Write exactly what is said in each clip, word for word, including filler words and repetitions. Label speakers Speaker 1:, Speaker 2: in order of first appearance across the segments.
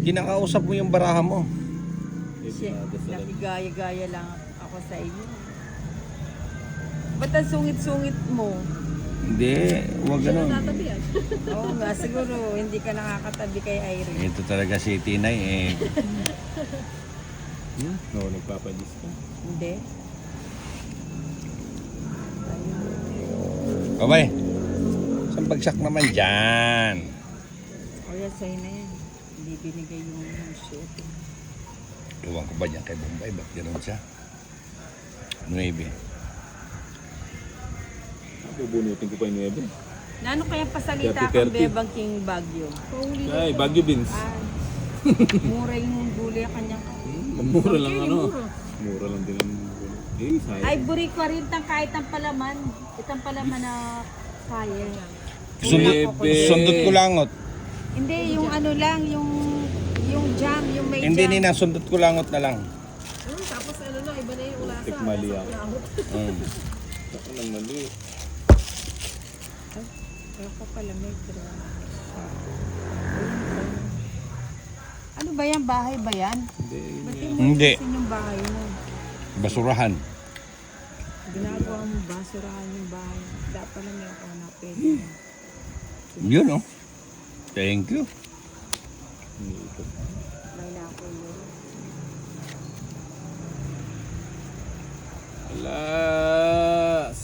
Speaker 1: Kinakausap mo yung baraha mo.
Speaker 2: Siya, nakigaya-gaya lang ako sa inyo. Ba't ang sungit-sungit mo?
Speaker 1: Hindi, huwag ganun.
Speaker 2: Oo nga, siguro hindi ka nakakatabi kay Irene.
Speaker 1: Ito talaga si Tinay eh.
Speaker 3: Hmm? No, nagpapalis ka.
Speaker 2: Hindi.
Speaker 1: Kabay, saan bagsak naman dyan?
Speaker 2: O yan, sa'yo na yan. Hindi binigay yung shoot.
Speaker 1: Tuwang ko ba dyan kay Bombay? Ba't gano'n siya? Nuebe.
Speaker 3: Bubunutin ko pa yung nuebe.
Speaker 2: Nano kaya pasalita
Speaker 3: thirty,
Speaker 2: kang
Speaker 3: thirty.
Speaker 2: Bebang King Bagyo?
Speaker 3: Ay, Baguio Beans.
Speaker 2: Ah, mura yung gulay kanyang.
Speaker 3: Mura lang ano. Mura lang din ang gulay. Eh, sayang.
Speaker 2: Ay, buri ko rin tang kahit ang palaman. Itang palaman na kaya.
Speaker 1: Sundot,
Speaker 3: Nuebe.
Speaker 1: sundot ko langot.
Speaker 2: Hindi, yung ano lang, yung yung jam, yung may
Speaker 1: Hindi
Speaker 2: jam.
Speaker 1: nina, sundot ko langot na lang.
Speaker 4: Hmm, tapos ano na, iba na yung ulasa.
Speaker 3: Tikmali ako.
Speaker 1: Mm.
Speaker 3: Ako lang mali.
Speaker 2: Ako pala may pero... Ano ba yan? Bahay ba yan?
Speaker 3: Hindi, yun
Speaker 2: Ba't
Speaker 3: yan.
Speaker 2: yung
Speaker 1: Hindi.
Speaker 2: mo yung bahay mo?
Speaker 1: Basurahan.
Speaker 2: Ginagawa mo basurahan yung bahay. Dapat pala may ako na pwede.
Speaker 1: Yun oh. Thank you.
Speaker 3: Iniikot.
Speaker 2: May na ako yun.
Speaker 3: Alas!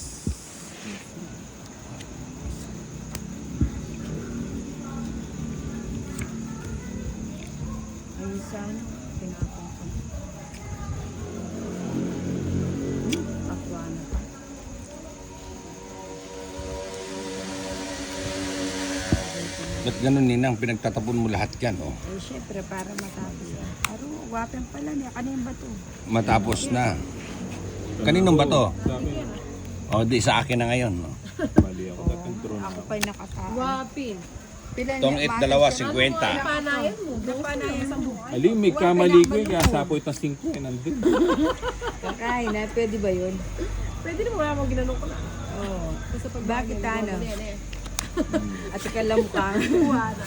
Speaker 2: Ayun sana, pinapang ko. Akwa na pa.
Speaker 1: Ba't ganun ninang, pinagtatapon mo lahat yan oh.
Speaker 2: Eh, syempre, para matapos yan. Aro, wapang pala niya. Kanina ba to?
Speaker 1: Matapos na. Kaninong ba to?
Speaker 3: Sa akin,
Speaker 1: O di sa akin na ngayon. No?
Speaker 3: mali ako. Dating drone
Speaker 2: Ako
Speaker 3: ako.
Speaker 2: pa'y nakatao.
Speaker 4: Wapin.
Speaker 2: Pila
Speaker 1: Tong
Speaker 2: niya,
Speaker 1: it,
Speaker 2: mahal
Speaker 1: dalawa,
Speaker 2: siya.
Speaker 1: cinquenta.
Speaker 4: Napanayan mo.
Speaker 2: Napanayan mo.
Speaker 3: Ali, may kamali ko eh. Kaya sapoy tas singko eh. Nandun.
Speaker 2: Kakain na, pwede ba yun?
Speaker 4: Pwede naman wala mo ginanong ko na.
Speaker 2: Oo.
Speaker 4: Basta pag
Speaker 2: Bakit ano?
Speaker 4: Yan eh.
Speaker 2: At ikalam ka.
Speaker 4: Wala.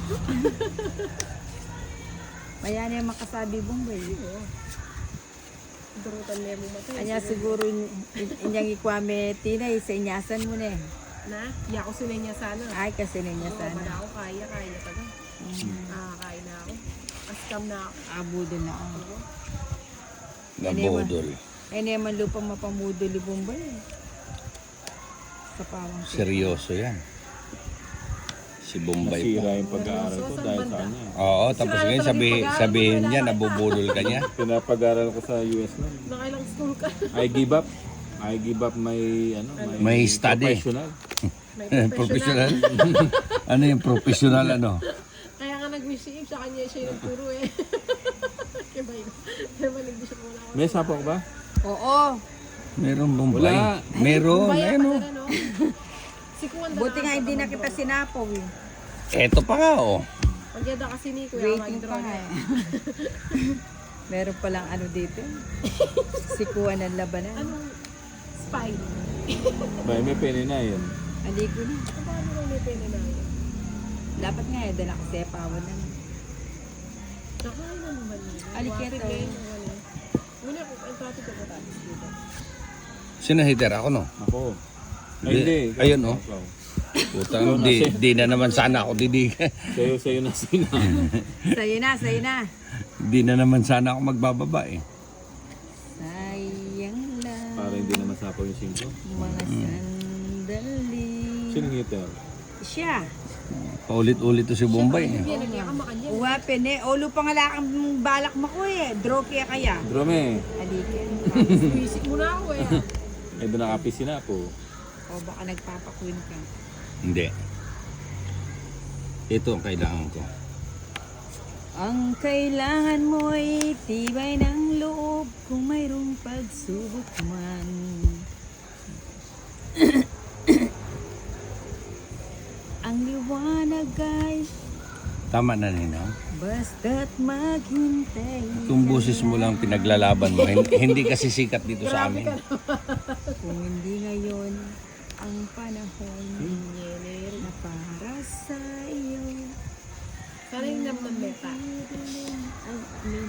Speaker 2: Maya na yung makasabi Bombay.
Speaker 4: Durutan niya mo matay.
Speaker 2: Kanya siguro in- in- inyang ikwame tinay sa inyasan mo na eh.
Speaker 4: Na, iya ko sinay niya sana.
Speaker 2: Ay kasi na niya
Speaker 4: Oo,
Speaker 2: sana.
Speaker 4: wala ako kaya, kaya taga. Ah, kaya na ako. Askam na ako.
Speaker 2: Abudo na ako.
Speaker 1: Nabodol.
Speaker 2: Eh naman lupa mapamudo li Bombay eh. Sa pawang siya.
Speaker 1: Seryoso yan. Si Bombay
Speaker 3: Nasira
Speaker 1: po.
Speaker 3: yung pag-aaral ko dahil sa kanya.
Speaker 1: Oo, tapos ngayon sabi, sabihin niya, nabubulol ka niya.
Speaker 3: Pinapag-aaral ko sa U S na.
Speaker 4: Nakailang school ka.
Speaker 3: I give up. I give up my ano,
Speaker 1: May study.
Speaker 3: professional.
Speaker 4: May
Speaker 1: Professional. Ano yung professional ano?
Speaker 4: Kaya nga nag-receive sa kanya siya yung nagturo eh. Kaya ba yun? Kaya ba nag-receive mo na ako?
Speaker 3: May sapo ko ba?
Speaker 2: Oo.
Speaker 1: Meron Bombay.
Speaker 3: Wala.
Speaker 1: Meron.
Speaker 4: Baya
Speaker 1: Ayun
Speaker 4: pa
Speaker 1: oh.
Speaker 4: na no? Si Kuwanda
Speaker 2: Buti nga hindi na kita sinapaw eh.
Speaker 1: Eto pa nga oh.
Speaker 4: Magyada kasi ni Kuya
Speaker 2: Waiting pa
Speaker 4: Mag-draw
Speaker 2: nga
Speaker 4: niya.
Speaker 2: eh. Meron palang ano dito. Sikuan ng labanan.
Speaker 4: Anong spy?
Speaker 3: Ba, may pene na yun.
Speaker 2: Hindi ko na.
Speaker 4: Paano lang may pene na yun?
Speaker 2: Dapat nga eh, dala ko sepawan na.
Speaker 4: Nakain na naman yun.
Speaker 2: Aliketa.
Speaker 4: Wapit ngayon, ano. Muna ko, ang traffic ko tapos dito.
Speaker 1: Sino hitter ako no?
Speaker 3: Ako. Ay,
Speaker 1: Di-
Speaker 3: hindi. ikaw,
Speaker 1: ayun, oh.
Speaker 3: ikaw.
Speaker 1: Putang di, di na naman sana ako didigan.
Speaker 3: Sa'yo, sa'yo na sina.
Speaker 2: Sa'yo na, sa'yo na.
Speaker 1: Di na naman sana ako magbababa eh.
Speaker 2: Sayang lang
Speaker 3: Para hindi naman sapo yung singko.
Speaker 2: mga sandali.
Speaker 3: Sino hitter?
Speaker 2: Siya.
Speaker 1: Paulit-ulit to si Bombay eh.
Speaker 4: Yan, nagyakam makanya.
Speaker 2: Uwapin eh. Olo pa nga lakang balak mo ko eh. Draw kaya kaya.
Speaker 3: Drome.
Speaker 2: Alikin.
Speaker 4: Visit muna ako eh.
Speaker 3: Eh, doon nakapisi na po.
Speaker 2: O baka nagpapakwin ka.
Speaker 1: Hindi. Ito ang kailangan ko.
Speaker 2: Ang kailangan mo ay tibay ng loob kung mayroong pagsubok man. Ang liwanag ay
Speaker 1: Tama na Ninang.
Speaker 2: basta't maghintay.
Speaker 1: Kung busis mo lang pinaglalaban mo, hin- hindi kasi sikat dito sa amin.
Speaker 2: Kung hindi ngayon ang panahon na para sa iyo.
Speaker 4: Sana yung naman meta.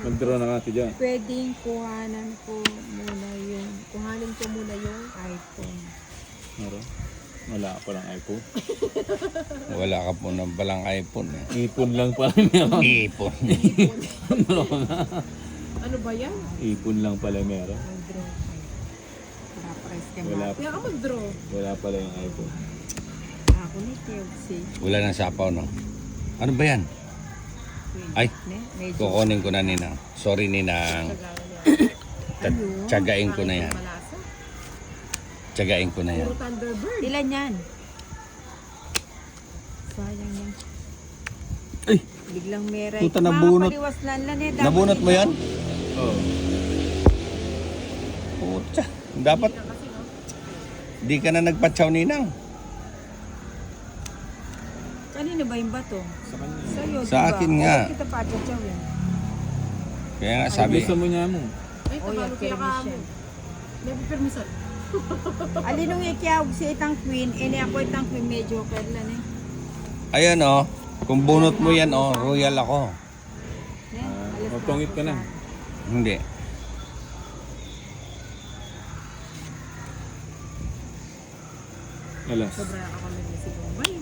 Speaker 3: Mag-draw na ka dyan.
Speaker 2: Pwedeng kuhanan ko muna yung
Speaker 4: Kuhanin ko muna yung
Speaker 2: iPhone.
Speaker 3: Meron? Wala ka palang iPhone.
Speaker 1: Wala ka po ng balang iPhone eh.
Speaker 3: Ipon lang pala meron.
Speaker 1: Ipon.
Speaker 4: ano ba yan?
Speaker 3: Ipon lang pala meron.
Speaker 2: Mag-draw kayo. Para press ka
Speaker 3: Wala,
Speaker 4: Kaya ka mag-draw.
Speaker 3: wala pala yung iPhone.
Speaker 2: Ako ni Kelsey.
Speaker 1: Wala nang sapaw, no? Ano ba yan? Ay,
Speaker 2: Ne? Medyo.
Speaker 1: kukunin ko na, Ninang. Sorry, Ninang. Ta- Tsagain ko na yan.
Speaker 4: Malasa.
Speaker 1: Tsagain ko na yan.
Speaker 4: Puro Thunderbird.
Speaker 2: Ilan yan? Sayang yan.
Speaker 1: Ay!
Speaker 2: Biglang meray.
Speaker 1: Puta, nabunot.
Speaker 2: Mapaliwas lang lang eh. Dapat
Speaker 1: Nabunot mo
Speaker 2: ikaw.
Speaker 1: yan?
Speaker 3: Oo.
Speaker 1: Puta. Dapat di ka na nagpatsaw, Ninang.
Speaker 2: Kanino ba yung bato?
Speaker 3: Sa kanya.
Speaker 2: Sa'yo,
Speaker 1: Sa
Speaker 2: diba?
Speaker 1: akin nga.
Speaker 2: Oo, kita patsaw yan.
Speaker 1: Kaya nga
Speaker 3: Sabi.
Speaker 1: sabi,
Speaker 3: Gusto mo niya mo.
Speaker 4: Ay,
Speaker 2: Oh,
Speaker 4: tabalo
Speaker 2: yan,
Speaker 4: kaya ka mo.
Speaker 2: permission.
Speaker 4: May permission.
Speaker 2: Alinong ikiyaw si itang queen, ini ako itang queen, medyo kerlan eh.
Speaker 1: ayan oh. Kung bunot mo yan oh, royal ako.
Speaker 2: Ne?
Speaker 3: Ah,
Speaker 2: Alas
Speaker 3: magtungit ka na.
Speaker 1: Hindi.
Speaker 3: Alas.
Speaker 4: Sobra ka kami ni si Bombay.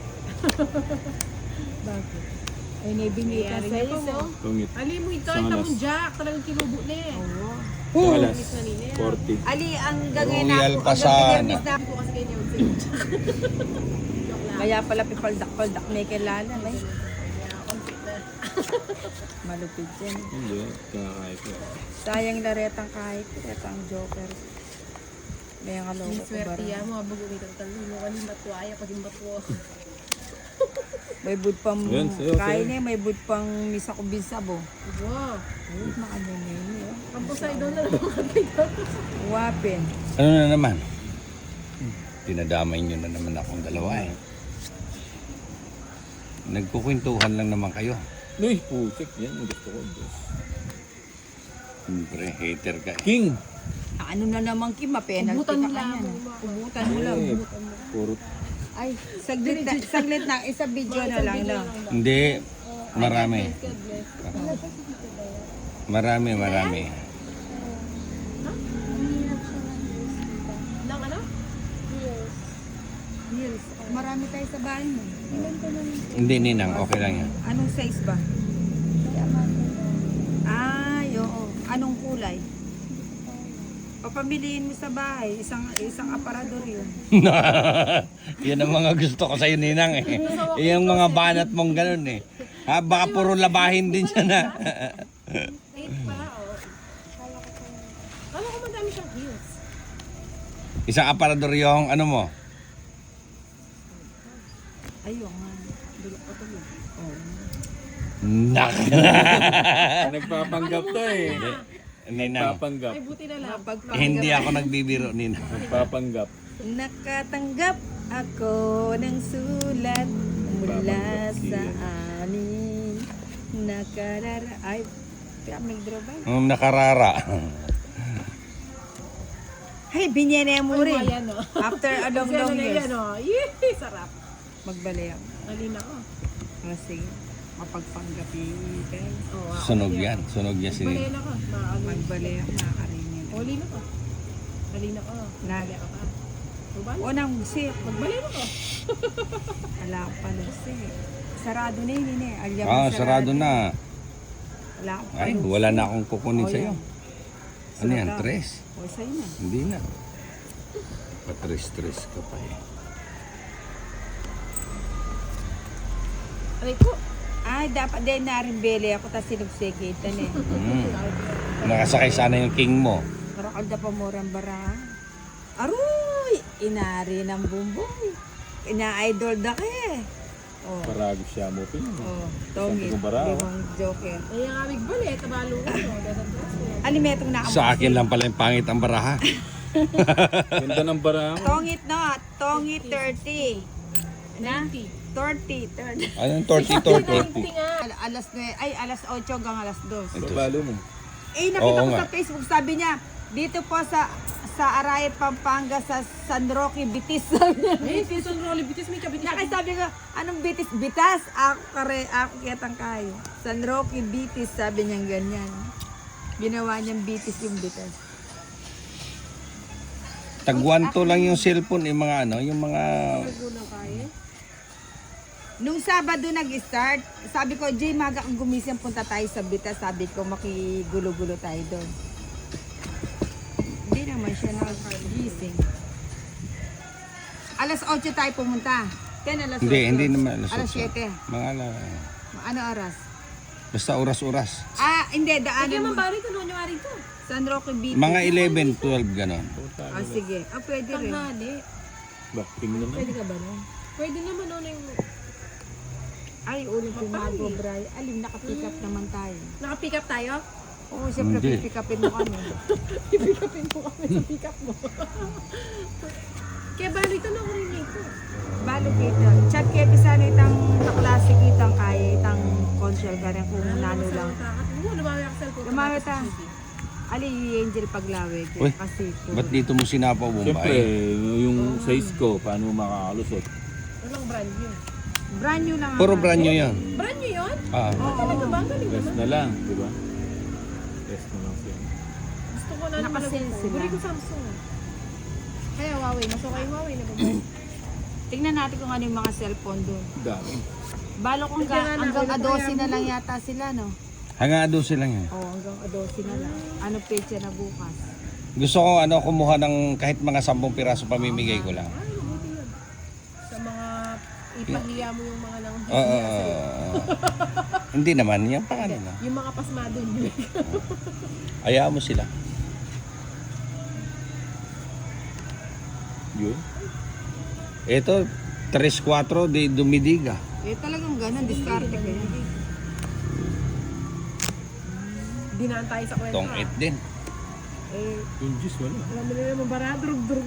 Speaker 2: Bakit? Ay, nabingi ka
Speaker 4: Nangyari
Speaker 2: sa'yo.
Speaker 4: niya po.
Speaker 3: Tungit.
Speaker 4: Ali mo ito,
Speaker 3: Isang
Speaker 4: ito
Speaker 3: alas.
Speaker 4: mong jack. Talagang kinubo na eh.
Speaker 2: Oo.
Speaker 3: Sa alas.
Speaker 4: Tungit na nila.
Speaker 3: forty.
Speaker 2: Ali, ang gagawin na
Speaker 1: Royal
Speaker 2: ako,
Speaker 1: pa
Speaker 2: ang
Speaker 1: sana.
Speaker 2: gagawin na
Speaker 4: Hindi ko kasi kayo yung jack. Joke lang.
Speaker 2: Kaya pala pipaldak-paldak may kilala. May
Speaker 4: Kaya konti na.
Speaker 2: malupit yan.
Speaker 3: Hindi. Kakakaya ko.
Speaker 2: Sayang laretang kahit retang joker. May ang kaloko ko
Speaker 4: Swerte
Speaker 2: bara.
Speaker 4: yan mo. Habang umitang talo mo. Kanin batuaya. Pag yung batuwa.
Speaker 2: May bud pang
Speaker 3: Yan, sa'yo,
Speaker 2: kain
Speaker 3: sa'yo.
Speaker 2: eh, may bud pang misa ko bisabo.
Speaker 4: Wow.
Speaker 2: Ay, maano na yun eh.
Speaker 4: Ang Poseidon na naman katay.
Speaker 2: Wapin.
Speaker 1: Ano na naman? Dinadamay nyo na naman akong dalawa eh. Nagkukwentuhan lang naman kayo.
Speaker 3: Uy, putik. Yan ang gusto ko. Diyos.
Speaker 1: Siyempre, hater ka eh.
Speaker 3: King!
Speaker 2: Ano na naman Kim, penalty
Speaker 4: Ubutan
Speaker 2: ka
Speaker 4: mo lang.
Speaker 2: kanyan. Ubutan mo lang.
Speaker 3: Eh, puro.
Speaker 2: Ay, saglit na, saglit na, isa video na lang no.
Speaker 1: Hindi, marami.
Speaker 4: God bless.
Speaker 1: Marami, marami.
Speaker 4: Nang ano?
Speaker 2: Yes. Marami tayo sa bahay mo.
Speaker 1: Hindi, Ninang, okay lang yan.
Speaker 2: Anong size ba? Ay, oo. Anong kulay? Papamiliin mo sa bahay, isang isang aparador yun.
Speaker 1: Yan ang mga gusto ko sa'yo, Ninang eh. Yung mga banat mong ganun eh. Ha, baka puro labahin din siya na.
Speaker 4: Eight pala, oh. Kala ko madami siyang heels.
Speaker 1: Isang aparador yung ano mo.
Speaker 2: Ayun nga. Dulok pa tuloy. Oh.
Speaker 1: Nak.
Speaker 3: Nagpapanggap to eh.
Speaker 1: Ninang,
Speaker 3: Nagpapanggap.
Speaker 4: Ay, buti na lang.
Speaker 2: Mapagpanggap.
Speaker 1: hindi ako nagbibiro, Ninang.
Speaker 3: Nagpapanggap.
Speaker 2: Nakatanggap ako ng sulat mula sa amin. Nakarara... Ay, kaya may draw ba?
Speaker 1: Um, nakarara.
Speaker 2: Ay, binyene mo
Speaker 4: Ay,
Speaker 2: rin.
Speaker 4: ayan, oh.
Speaker 2: After a long,
Speaker 4: Kasi ano
Speaker 2: long
Speaker 4: na
Speaker 2: years.
Speaker 4: yan, oh. Yee, sarap.
Speaker 2: Magbalik ako.
Speaker 4: Alin ako.
Speaker 2: Kasi mapagpanggapi guys.
Speaker 4: Oh, wow.
Speaker 1: Sunog yan. Sunog yan si
Speaker 4: Balayan
Speaker 1: Ninang.
Speaker 4: ako. Maano.
Speaker 2: Magbalik ako, nakakarinig.
Speaker 4: Oli na ko. Alin ako.
Speaker 2: Na.
Speaker 4: Balayan ako pa. Diba?
Speaker 2: O nang sip.
Speaker 4: Magbalayan ako.
Speaker 2: Wala ko pala sip. Sarado na yun yun eh. Alyam
Speaker 1: Ah, sarado na.
Speaker 2: Wala ko
Speaker 1: Ay,
Speaker 2: pala.
Speaker 1: wala na akong kukunin
Speaker 2: Oh,
Speaker 1: sa'yo.
Speaker 2: yan.
Speaker 1: Ano yan?
Speaker 2: Sarado.
Speaker 1: Tres?
Speaker 2: O sa'yo na.
Speaker 1: Hindi na. Patres-tres ka pa eh.
Speaker 4: Aray ko.
Speaker 2: Ay, dapat din na rin beli ako tapos sinubsigitan eh.
Speaker 1: Mm. Nakasakay sana yung king mo.
Speaker 2: Karakalda pa murang bara. Aroy! Inari ng bumbong. Ina-idol da ka eh. Oh,
Speaker 3: Paragos siya mo. Pin.
Speaker 2: oh, tongit.
Speaker 3: Sabi ko bara, oh.
Speaker 2: Limang joker.
Speaker 4: Ay, ang amig balit. Tabalo ko. Dadan ko.
Speaker 2: Alimetong na
Speaker 1: Sa akin lang pala yung pangit ang baraha.
Speaker 3: Ganda ng bara mo.
Speaker 2: Tongit no, tongit thirty. Na?
Speaker 4: ninety.
Speaker 2: thirty, thirty.
Speaker 1: Anong torty torty?
Speaker 4: ninety nga.
Speaker 2: Al- alas nine, ay alas eight hanggang alas two.
Speaker 1: Ito.
Speaker 3: Balo mo.
Speaker 2: Eh, nakita
Speaker 1: Oo
Speaker 2: ko
Speaker 1: nga.
Speaker 2: sa Facebook, sabi niya, dito po sa sa Arayat, Pampanga, sa San Roque, Bitis. Sabi niya.
Speaker 4: Eh, Susan Rolly Bitis. May kabitis.
Speaker 2: Nakay sabi ko, anong Bitis? Bitas? Ako kare, ako kitang kayo. San Roque, Bitis, sabi niya ganyan. Ginawa niyang bitis yung bitas.
Speaker 1: Tagwanto lang yung cellphone, yung mga ano, yung mga...
Speaker 4: Unang kaya.
Speaker 2: Nung Sabado nag-start, sabi ko, Jay, maga kang gumising, punta tayo sa bitas. Sabi ko, makigulo-gulo tayo doon. Hindi naman siya nakagising. Alas otso tayo pumunta. ten alas
Speaker 1: Hindi,
Speaker 2: otso.
Speaker 1: hindi naman.
Speaker 2: Alas siyete.
Speaker 1: Mga ala,
Speaker 2: Ano oras?
Speaker 1: basta oras-oras.
Speaker 2: Ah, hindi,
Speaker 4: Hindi
Speaker 2: daanan
Speaker 4: man
Speaker 2: mo.
Speaker 4: bari ko noon yung ari to.
Speaker 2: San Roque Beach.
Speaker 1: Mga eleven, twelve, ganon.
Speaker 2: Ah, sige. Ah, pwede rin.
Speaker 4: Tanghali.
Speaker 3: Bakting naman.
Speaker 4: Pwede ka ba nun? Pwede naman noon yung...
Speaker 2: Ay, ulit yung
Speaker 4: Mapali.
Speaker 2: mago, Bray. Alim, nakapick up naman tayo.
Speaker 4: Naka-pick up tayo?
Speaker 2: Oo, siyempre,
Speaker 1: Hindi.
Speaker 2: pipick upin mo kami.
Speaker 4: I-pick upin mo kami sa pick up mo. Kaya bali ito na ko rin ito.
Speaker 2: Balo kita. Chat kaya pisana itang kaklase kitang kaya itang consul ka rin kung nano lang.
Speaker 4: Oo, lumami ako sa cellphone.
Speaker 2: Lumami ta. Ali, Angel Paglawig.
Speaker 1: Uy,
Speaker 2: Kasi,
Speaker 1: ba't dito mo sinapaw,
Speaker 3: Siyempre,
Speaker 1: Bombay?
Speaker 3: yung size ko, paano mo makakalusot?
Speaker 4: Walang brand new.
Speaker 2: brand new lang.
Speaker 1: Puro
Speaker 2: ang-
Speaker 1: brand new yan.
Speaker 4: Brand new yun?
Speaker 1: Ah.
Speaker 2: Oo.
Speaker 4: Talaga ba? Ang galing
Speaker 3: Rest
Speaker 4: naman.
Speaker 3: na lang, di ba? Rest na lang siya.
Speaker 4: Gusto ko na naman.
Speaker 2: Nakasale sila.
Speaker 4: Buri ko Samsung. Kaya Huawei. Mas okay yung Huawei na ba?
Speaker 2: Tingnan natin kung ano yung mga cellphone doon.
Speaker 3: Dami.
Speaker 2: Balo kung
Speaker 4: Tingnan
Speaker 2: ga,
Speaker 4: na,
Speaker 2: hanggang
Speaker 4: wala pa
Speaker 2: adosi
Speaker 4: yan.
Speaker 2: na lang yata sila, no?
Speaker 1: Hanggang adosi lang yan.
Speaker 2: Oo, hanggang adosi na lang. Ano pecha na bukas?
Speaker 1: Gusto ko ano, kumuha ng kahit mga sampung piraso pamimigay ko lang.
Speaker 4: Ay, mabuti yun. Sa mga ipahiya mo yung mga nang
Speaker 1: Oo. oo, oo. Hindi naman, yan pa kanila.
Speaker 4: Yung mga pasmado nyo.
Speaker 1: Ayaw mo sila.
Speaker 3: Yun.
Speaker 1: Ito, tres cuatro de Dumidiga.
Speaker 2: Eh, talagang ganun, diskarte ko yun.
Speaker 4: Dinaan tayo sa kwento.
Speaker 1: Tong
Speaker 4: ah.
Speaker 1: it din.
Speaker 2: Eh,
Speaker 3: Yung juice, wala.
Speaker 4: Alam mo na naman, bara, drug-drug